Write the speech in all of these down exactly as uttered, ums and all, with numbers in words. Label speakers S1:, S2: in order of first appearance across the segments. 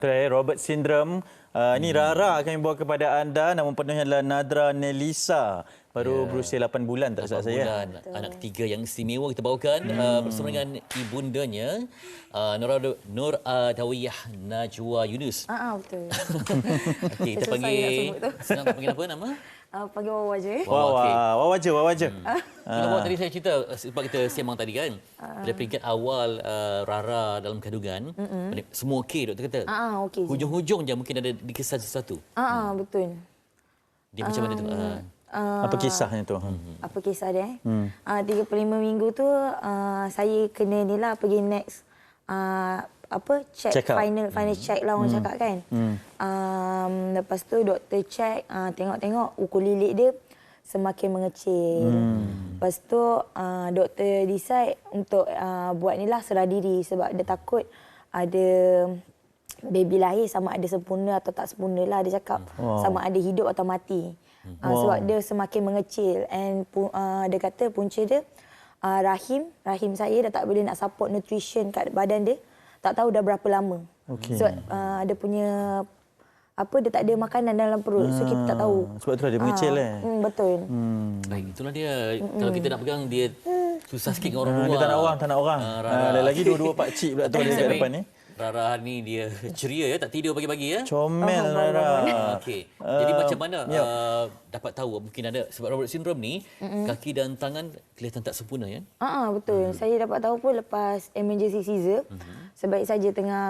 S1: Robert Syndrome. Uh, ini Rara kami bawa kepada anda. Nama penuhnya adalah Nadra Nelisa. Baru yeah. berusia lapan bulan tak salah saya.
S2: Bulan. Anak ketiga yang istimewa kita bawakan hmm. uh, bersama dengan ibundanya uh, Nur Nur Adawiyah Najwa Yunus.
S3: Ah, betul.
S2: Okey, kita panggil senang tak panggil apa nama?
S3: Uh, panggil Wawa je.
S1: Wawa, okay. Wawa je, Wawa je. Hmm.
S2: Uh. Bawa tadi saya cerita sebab kita sembang tadi kan. Uh. Pada peringkat awal uh, Rara dalam kandungan, mm-mm. semua okey doktor kata.
S3: Ah, okey.
S2: Hujung-hujung je mungkin ada dikesan sesuatu.
S3: Ah, hmm. betul.
S2: Dia macam um, mana tu? Uh.
S1: Uh, apa kisahnya tu?
S3: Apa kisah dia? Hmm. Uh, tiga puluh lima minggu tu uh, saya kena ni lah pergi next uh, apa check, check final final hmm. check lah orang hmm. cakap kan. Hmm. Um, lepas tu doktor check uh, tengok-tengok ukur lilit dia semakin mengecil. Hmm. Lepas tu uh, doktor decide untuk uh, buat ni lah serah diri sebab dia takut ada baby lahir sama ada sempurna atau tak sempurna lah dia cakap. Wow. Sama ada hidup atau mati. Uh, wow. Sebab dia semakin mengecil and uh, dia kata punca dia uh, rahim rahim saya dah tak boleh nak support nutrition kat badan dia, tak tahu dah berapa lama. Okay. Sebab uh, dia punya apa dia tak ada makanan dalam perut, ah. so kita tak tahu.
S1: Sebab tu dia mengecil uh, eh.
S3: Mm, betul.
S2: Hmm. Baik, itulah dia. Mm-mm. Kalau kita nak pegang dia susah sikit dengan orang luar.
S1: Dia tak nak orang, tak nak orang. Uh, uh, lagi dua-dua pak cik pula tu ada kat depan ni.
S2: Rara ni dia ceria ya, tak tidur pagi-pagi ya.
S1: Comel oh, Rara.
S2: Okey. Jadi uh, macam mana yep. uh, dapat tahu mungkin ada sebab Robert Syndrome ni mm-hmm. kaki dan tangan kelihatan tak sempurna ya?
S3: Ah uh-huh, betul. Mm-hmm. Saya dapat tahu pun lepas emergency caesar. Mm-hmm. Sebaik saja tengah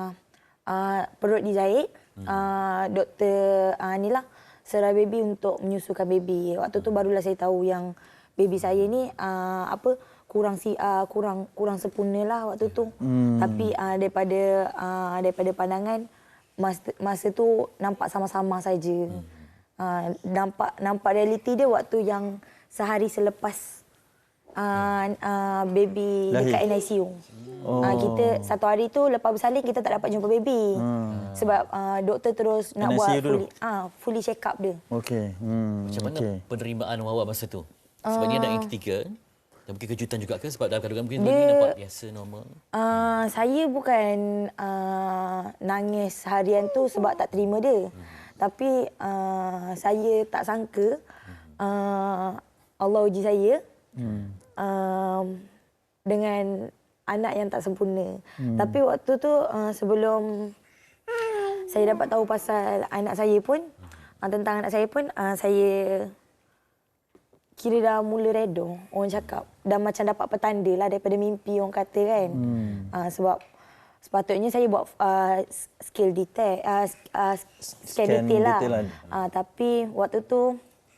S3: uh, perut dijahit, mm-hmm. uh, doktor uh, inilah serah baby untuk menyusukan baby. Waktu tu barulah saya tahu yang baby saya ni uh, apa kurang si uh, kurang kurang sempurna lah waktu tu. Hmm. Tapi uh, daripada uh, daripada pandangan masa, masa tu nampak sama-sama saja. Hmm. Uh, nampak nampak realiti dia waktu yang sehari selepas uh, uh, baby lahir dekat N I C U. Oh. Uh, kita satu hari tu lepas bersalin kita tak dapat jumpa baby. Hmm. Sebab uh, doktor terus nak buat fully, uh, fully check up dia.
S1: Okey. Hmm.
S2: Macam mana okay. penerimaan awak masa tu? Sebab uh, ni ada yang ketiga. Dan mungkin kejutan juga ke sebab dalam kandungan mungkin dia, nampak biasa, normal? Uh, saya bukan uh, nangis harian tu sebab tak terima dia. Hmm. Tapi uh, saya tak sangka uh, Allah uji saya hmm. uh, dengan anak yang tak sempurna. Hmm. Tapi waktu tu uh, sebelum saya dapat tahu pasal anak saya pun, uh, tentang anak saya pun, uh, saya kira dah mula reda, orang cakap. Dah macam dapat petanda lah daripada mimpi orang kata kan. Hmm. Uh, sebab sepatutnya saya buat uh, skill detail, uh, uh, scan, scan detail lah. Detail lah. Uh, tapi waktu tu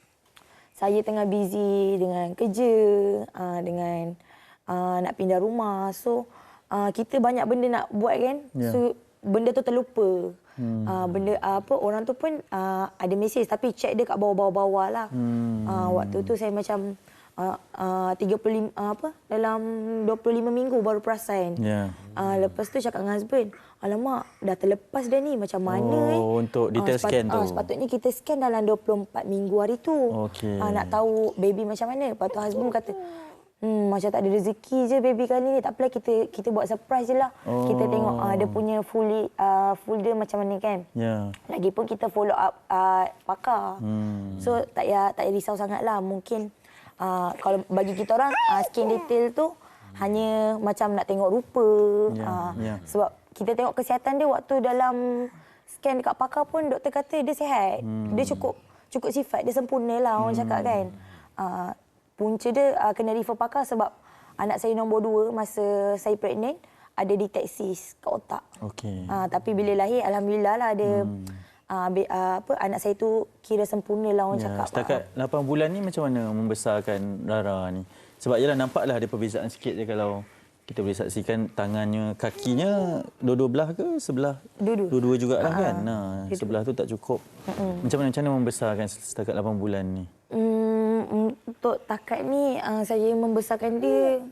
S2: saya tengah busy dengan kerja, uh, dengan uh, nak pindah rumah. So uh, kita banyak benda nak buat kan. Yeah. So benda tu terlupa. Hmm. Uh, benda uh, apa orang tu pun uh, ada mesej tapi check dia kat bawah-bawah lah. Hmm. Uh, waktu tu saya macam uh, uh, tiga puluh lima uh, apa dalam dua puluh lima minggu baru perasan. Yeah. Uh, lepas tu cakap dengan husband, alamak dah terlepas dah ni macam mana oh, eh.
S1: Untuk detail uh, sepat, scan tu. Uh,
S3: sepatutnya kita scan dalam dua puluh empat minggu hari tu. Okay. Uh, nak tahu baby macam mana. Lepas tu husband kata, Hmm, macam tak ada rezeki je baby kali ni. Tak apalah kita kita buat surprise je lah. Oh. Kita tengok uh, dia punya fully uh, full dia macam mana kan. Yeah. Lagipun kita follow up uh, pakar. Hmm. So tak payah tak payah risau sangatlah. Mungkin uh, kalau bagi kita orang uh, skin detail tu hanya macam nak tengok rupa. Yeah. Uh, yeah. Sebab kita tengok kesihatan dia waktu dalam scan dekat pakar pun doktor kata dia sihat. Hmm. Dia cukup cukup sifat, dia sempurna lah orang hmm. cakap kan. Uh, Punca dia uh, kena refer pakar sebab anak saya nombor dua masa saya pregnant ada deteksi kat otak. Okey. Uh, tapi bila lahir alhamdulillah lah ada hmm. uh, be, uh, apa anak saya tu kira sempurna lah orang ya, cakap.
S1: Setakat uh. lapan bulan ni macam mana membesarkan Rara ni? Sebab yalah nampaklah ada perbezaan sikit je kalau kita boleh saksikan tangannya, kakinya dua-dua belah ke sebelah?
S3: Dua-dua.
S1: Dua-dua jugalah uh-huh. kan. Nah, sebelah tu tak cukup. Uh-huh. Macam mana macam mana membesarkan setakat lapan bulan ni?
S3: Hmm, untuk takat ni uh, saya membesarkan dia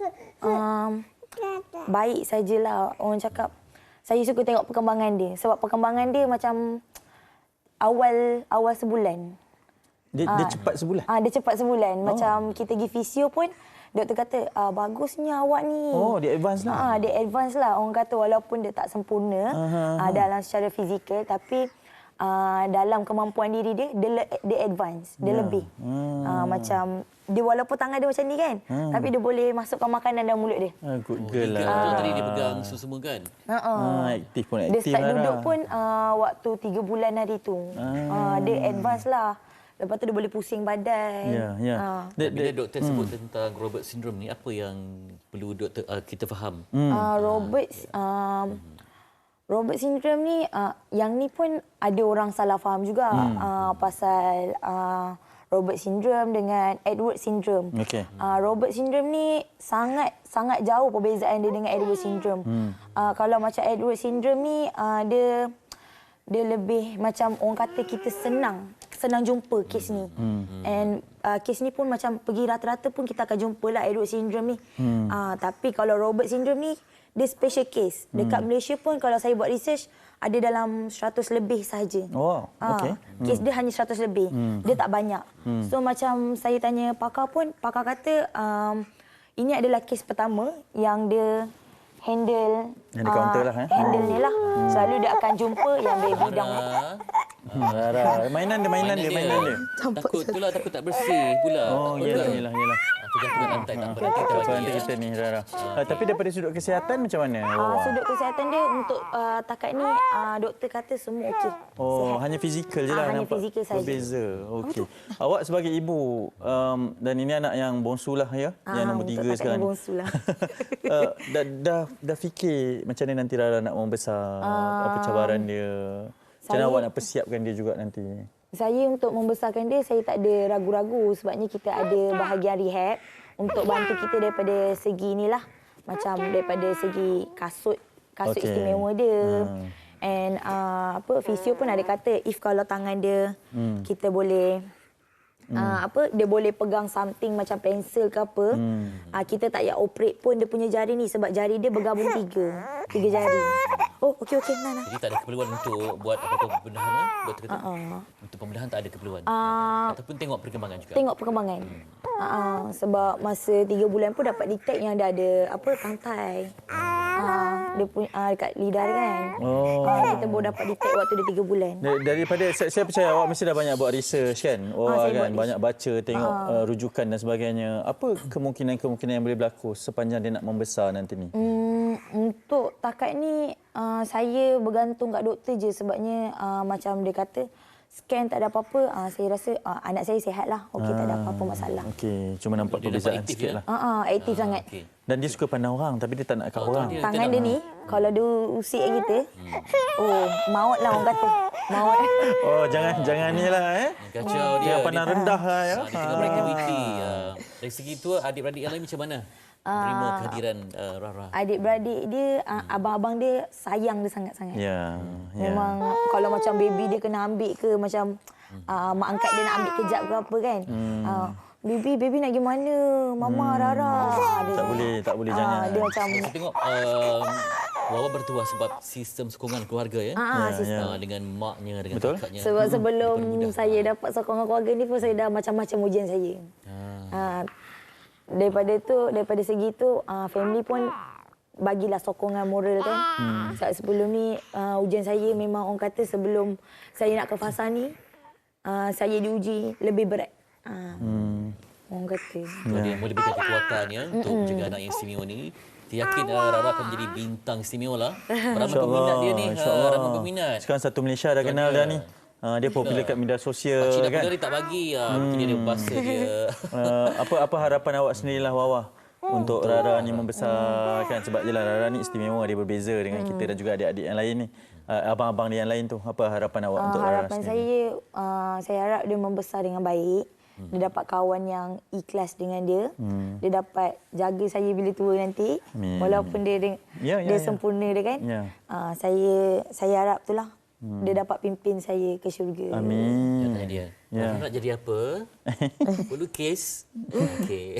S3: um, baik sajalah orang cakap. Saya suka tengok perkembangan dia sebab perkembangan dia macam awal awal sebulan.
S1: Dia, uh, dia cepat sebulan.
S3: Ah uh, dia cepat sebulan. Oh. Macam kita pergi fisio pun doktor kata, ah, bagusnya awak ni.
S1: Oh, dia advance lah.
S3: Ah, dia advance lah. Orang kata walaupun dia tak sempurna uh-huh. ah, dalam secara fizikal, tapi ah, dalam kemampuan diri dia, dia, dia advance. Dia yeah. lebih. Hmm. Ah, macam, dia walaupun tangan dia macam ni kan, hmm. tapi dia boleh masukkan makanan dalam mulut dia.
S1: Ah, good
S2: oh,
S1: girl lah.
S2: Ah. Tadi dia pegang semua kan?
S3: Uh-uh.
S1: Ah, aktif pun aktif.
S3: Dia start
S1: lah
S3: duduk
S1: dah.
S3: pun uh, waktu tiga bulan hari tu. Ah. Ah, dia advance lah. Lepas tu dia boleh pusing badan.
S1: Ya, ya.
S3: Ah.
S2: Bila doktor hmm. sebut tentang Robert syndrome ni, apa yang perlu doktor uh, kita faham?
S3: Hmm. Uh, Robert um, Robert syndrome ni, uh, yang ni pun ada orang salah faham juga hmm. uh, pasal uh, Robert syndrome dengan Edward syndrome.
S1: Okay.
S3: Uh, Robert syndrome ni sangat sangat jauh perbezaan dia dengan Edward syndrome. Hmm. Uh, kalau macam Edward syndrome ni, uh, dia dia lebih macam orang kata kita senang senang jumpa kes ni. Hmm. And uh, kes ni pun macam pergi rata-rata pun kita akan jumpa lah Edward syndrome ni. Hmm. Uh, tapi kalau Robert syndrome ni, dia special case. Dekat hmm. Malaysia pun kalau saya buat research, ada dalam seratus lebih sahaja.
S1: Oh, okey.
S3: Uh, kes hmm. dia hanya seratus lebih. Hmm. Dia tak banyak. Hmm. So macam saya tanya pakar pun, pakar kata um, ini adalah kes pertama yang dia handle
S1: yang di kaunter lah eh.
S3: Handle ni lah. Hmm. Selalu dia akan jumpa yang baby dah.
S1: Rara, mainan dia, mainan, dia, mainan dia.
S2: Takut tu lah, takut tak bersih pula.
S1: Oh, iyalah, iyalah, iyalah.
S2: Jatuh lantai tak apa. Nanti kita
S1: Nanti
S2: bagi.
S1: kita ni, Rara. Uh, tapi daripada sudut kesihatan macam mana?
S3: Uh, sudut kesihatan dia untuk uh, takat ni, uh, doktor kata semua okey.
S1: Oh,
S3: sihat.
S1: hanya fizikal je
S3: Ah,
S1: lah
S3: hanya
S1: nampak.
S3: fizikal saja.
S1: Berbeza. Okey. Awak sebagai ibu um, dan ini anak yang bongsu lah ya,
S3: Ah,
S1: yang nombor tiga
S3: untuk takat
S1: sekarang.
S3: yang bongsu lah.
S1: uh, dah, dah dah fikir macam mana nanti Rara nak membesar, uh, apa cabaran dia? Macam mana
S3: saya,
S1: awak nak persiapkan dia juga nanti?
S3: Saya untuk membesarkan dia, saya tak ada ragu-ragu sebabnya kita ada bahagian rehab untuk bantu kita daripada segi inilah. Macam daripada segi kasut, kasut okay. istimewa dia. Hmm. And uh, apa fisio pun ada kata if kalau tangan dia hmm. kita boleh hmm. uh, apa dia boleh pegang something macam pensel ke apa, hmm. uh, kita tak payah operate pun dia punya jari ni sebab jari dia bergabung tiga. Tiga jari. Oh, okey okey nah, nah.
S2: Jadi tak ada keperluan untuk buat apa-apa pembedahan kan? Doktor kata.
S3: Uh-uh.
S2: Untuk pembedahan tak ada keperluan.
S3: Uh,
S2: Ataupun tengok perkembangan juga.
S3: Tengok perkembangan. Hmm. Uh-uh. Sebab masa tiga bulan pun dapat detect yang dia ada apa tangkai. Uh, dia punya uh, dekat lidah dia kan. Oh. Uh, kita baru dapat detect waktu dia tiga bulan.
S1: Daripada saya, saya percaya awak mesti dah banyak buat research kan. Oh uh, kan banyak baca, tengok uh. Uh, rujukan dan sebagainya. Apa kemungkinan-kemungkinan yang boleh berlaku sepanjang dia nak membesar nanti ni?
S3: Hmm, untuk takat ni uh, saya bergantung kat doktor je sebabnya uh, macam dia kata scan tak ada apa-apa, uh, saya rasa uh, anak saya sihat lah. Okey, ah, tak ada apa-apa masalah.
S1: Okey, cuma nampak perbezaan sikit
S2: ya?
S1: lah.
S3: Uh, uh, aktif uh, sangat. Okay.
S1: Dan dia suka pandang orang tapi dia tak nak kat oh, orang.
S3: Dia, Tangan dia, dia ni, kalau dia usik kita, hmm. oh, maut lah orang kata. Maut.
S1: Oh, jangan jangan ni lah eh.
S2: Kacau dia.
S1: Dia pandang rendah lah ya.
S2: Dia tengah beraktiviti. Uh, dari segi tu, adik-beradik yang lain macam mana? Terima kehadiran uh, Rara.
S3: Adik-beradik dia, uh, abang-abang dia sayang dia sangat-sangat.
S1: Ya.
S3: Memang ya. Kalau macam baby dia kena ambil ke macam uh, mak angkat dia nak ambil kejap ke apa kan. Hmm. Uh, baby, baby nak pergi mana? Mama, hmm. Rara.
S1: Dia tak boleh, tak boleh uh, jangan.
S3: Dia macam...
S2: Saya tengok um, Wawa bertuah sebab sistem sokongan keluarga ya.
S3: Ah, ya, sistem.
S2: Uh, dengan maknya, dengan
S1: betul?
S2: kakaknya.
S3: Sebab sebelum saya dapat sokongan keluarga ni pun saya dah macam-macam ujian saya. Ah. Uh, Daripada tu, daripada segi tu, uh, family pun bagilah sokongan moral kan. Hmm. Sebelum ni, uh, ujian saya memang orang kata sebelum saya nak ke fasa ni, uh, saya diuji lebih berat. Uh, hmm. Orang kata.
S2: So, dia boleh berikan kekuatan ya, untuk mm-mm. menjaga anak yang istimewa ni. Saya yakin uh, Rara akan menjadi bintang istimewa lah. Ramai peminat dia ni, uh, ramai peminat.
S1: Sekarang satu Malaysia dah kenal dah ni. Uh, dia popular kat media sosial
S2: Pakcik
S1: kan.
S2: Pakcik dia tak bagi. Uh, hmm. Mungkin dia bahasa dia.
S1: Uh, apa apa harapan awak sendirilah Wawa untuk Rara ni membesar kan, sebab jelah Rara ni istimewa, dia berbeza dengan kita dan juga adik-adik yang lain ni. Uh, abang-abang dia yang lain tu, apa harapan awak
S3: uh,
S1: untuk Rara
S3: harapan
S1: sendiri?
S3: saya uh, saya harap dia membesar dengan baik. Hmm. Dia dapat kawan yang ikhlas dengan dia. Hmm. Dia dapat jaga saya bila tua nanti. Amin. Walaupun dia dia, ya, ya, dia ya. sempurna dia kan. Ya. Uh, saya saya harap itulah. Hmm. Dia dapat pimpin saya ke syurga.
S1: Amin.
S2: Tanya dia. Ya. Nak jadi apa? Pelukis. Okey.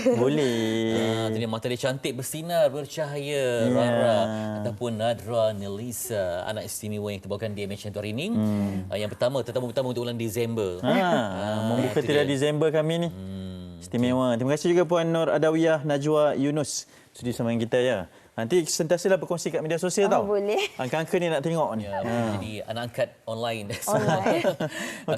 S1: Boleh.
S2: Ah, jadi mata dia cantik, bersinar, bercahaya. Yeah. Rara ataupun Nadra Nelisa, anak istimewa yang terbawakan di M H N tu hari ini. Hmm. Ah, yang pertama, tetamu pertama untuk bulan Disember. Ha,
S1: ah, membuka tirai Disember kami ni. Hmm. Istimewa. Terima kasih juga Puan Nur Adawiyah Najwa Yunus sudi sama dengan kita ya. Nanti sentiasalah berkongsi kat media sosial
S3: Oh,
S1: tau.
S3: boleh.
S1: Angka-angka ni nak tengok ni.
S2: Ya, jadi anak angkat online.
S3: Online.